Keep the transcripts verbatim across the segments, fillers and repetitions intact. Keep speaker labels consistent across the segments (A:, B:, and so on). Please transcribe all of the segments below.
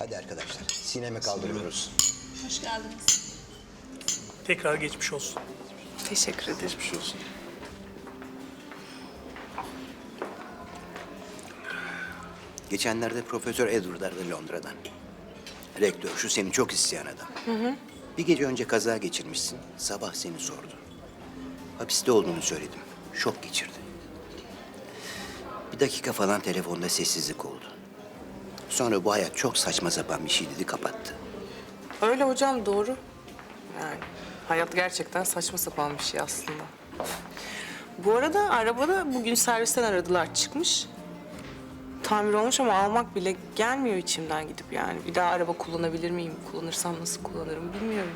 A: Hadi arkadaşlar, sineme kaldırıyoruz.
B: Hoş geldiniz.
C: Tekrar geçmiş olsun.
D: Teşekkür ederim.
C: Geçmiş olsun.
A: Geçenlerde Profesör Edward aradı Londra'dan. Rektör, şu seni çok isteyen adam. Hı hı. Bir gece önce kaza geçirmişsin, sabah seni sordu. Hapiste olduğunu söyledim, şok geçirdi. Bir dakika falan telefonda sessizlik oldu. Sonra bu hayat çok saçma sapan bir şey dedi, kapattı.
D: Öyle hocam, doğru. Yani hayat gerçekten saçma sapan bir şey aslında. Bu arada arabada bugün servisten aradılar, çıkmış. Tamir olmuş ama almak bile gelmiyor içimden gidip yani. Bir daha araba kullanabilir miyim? Kullanırsam nasıl kullanırım bilmiyorum.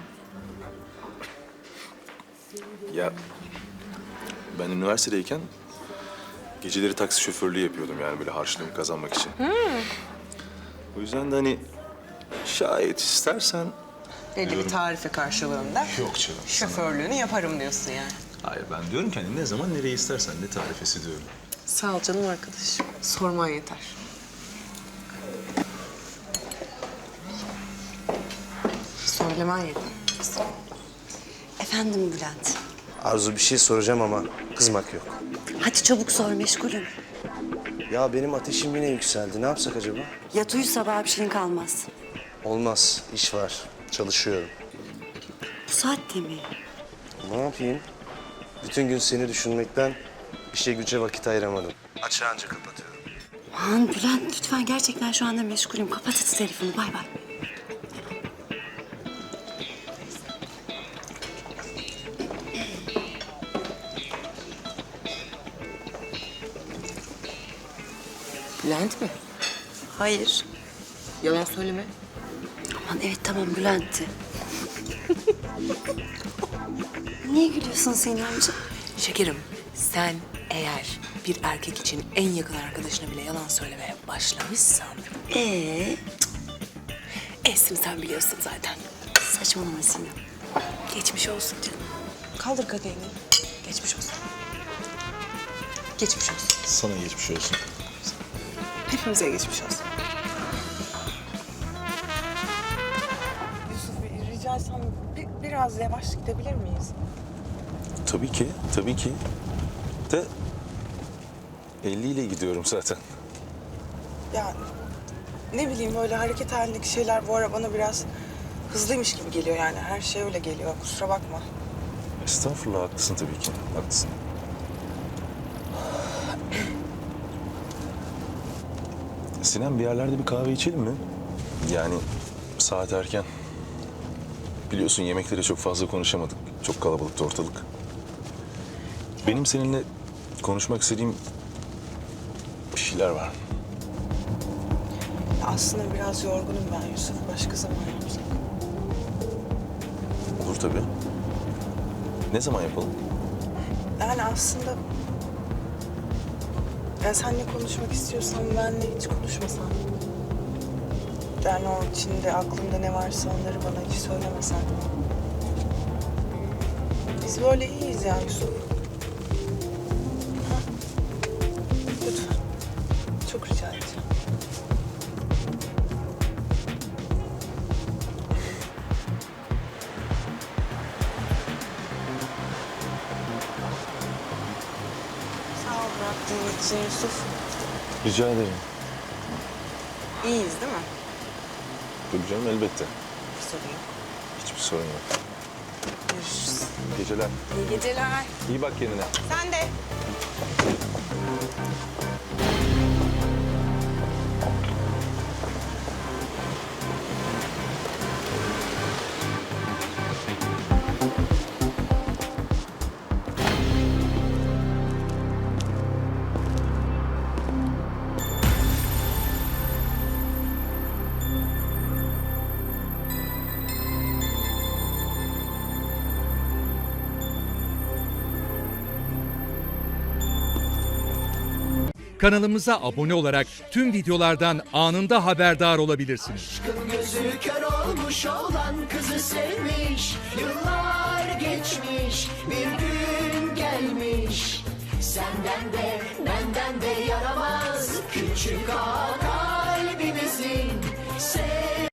E: Ya ben üniversitedeyken geceleri taksi şoförlüğü yapıyordum yani böyle harçlığımı kazanmak için. O yüzden de hani şayet istersen...
D: Belli
E: Diyorum.
D: bir tarife karşılığında
E: Yok canım.
D: şoförlüğünü yaparım diyorsun yani.
E: Hayır ben diyorum ki hani ne zaman nereye istersen ne tarifesi diyorum.
D: Sağ ol canım arkadaşım. Sorman yeter. Söylemen yeter.
F: Efendim Bülent.
G: Arzu, bir şey soracağım ama kızmak yok.
F: Hadi çabuk sor, meşgulüm.
G: Ya benim ateşim yine yükseldi. Ne yapsak acaba?
F: Yat uyu, sabah bir şeyin kalmaz.
G: Olmaz. İş var. Çalışıyorum.
F: Bu saatte mi?
G: Ne yapayım? Bütün gün seni düşünmekten bir şey güce vakit ayıramadım. Açığı anca kapatıyorum.
F: Aman Bülent, lütfen, gerçekten şu anda meşgulüm. Kapat hadi telefonu, bay bay.
D: Bülent mi?
F: Hayır.
D: Yalan söyleme.
F: Aman evet, tamam, Bülent'ti. Niye gülüyorsun Sinem amca?
D: Şekerim, sen eğer bir erkek için en yakın arkadaşına bile yalan söylemeye başlamışsan...
F: Ee,
D: Esim sen biliyorsun zaten.
F: saçmalama Sinem.
D: Geçmiş olsun canım. Kaldır kadehini. Geçmiş olsun. Geçmiş olsun.
E: Sana geçmiş olsun.
D: Hepimize geçmiş olsun. Yusuf, rica etsem bir, biraz yavaş gidebilir miyiz?
E: Tabii ki, tabii ki. De elli ile gidiyorum zaten.
D: Ya ne bileyim, böyle hareket halindeki şeyler bu ara bana biraz hızlıymış gibi geliyor yani. Her şey öyle geliyor. Kusura bakma.
E: Estağfurullah, haklısın tabii ki. Haklısın. Sinem, bir yerlerde bir kahve içelim mi? Yani saat erken. Biliyorsun yemekleri çok fazla konuşamadık. Çok kalabalıktı ortalık. Benim seninle konuşmak istediğim bir şeyler var.
D: Aslında biraz yorgunum ben Yusuf. Başka zaman yapsak.
E: Olur tabii. Ne zaman yapalım?
D: Yani aslında... Ya seninle konuşmak istiyorsan benle hiç konuşmasan. Yani o içinde, aklında ne varsa onları bana hiç söylemesen. Biz böyle iyiyiz ya Yusuf. Ha? Lütfen. Çok rica edeceğim. Sağ ol bıraktığın için Yusuf.
E: Rica ederim.
D: İyiyiz değil mi?
E: Tabii canım, elbette.
D: Bir sorun yok.
E: Hiçbir sorun yok.
D: Görüşürüz.
E: İyi geceler.
D: İyi geceler.
E: İyi bak kendine.
D: Sen de.
H: Kanalımıza abone olarak tüm videolardan anında haberdar olabilirsiniz.
I: Aşkın gözü kör olmuş olan kızı sevmiş. Yıllar geçmiş, bir gün gelmiş. Senden de benden de yaramaz küçük ağa kalbimizin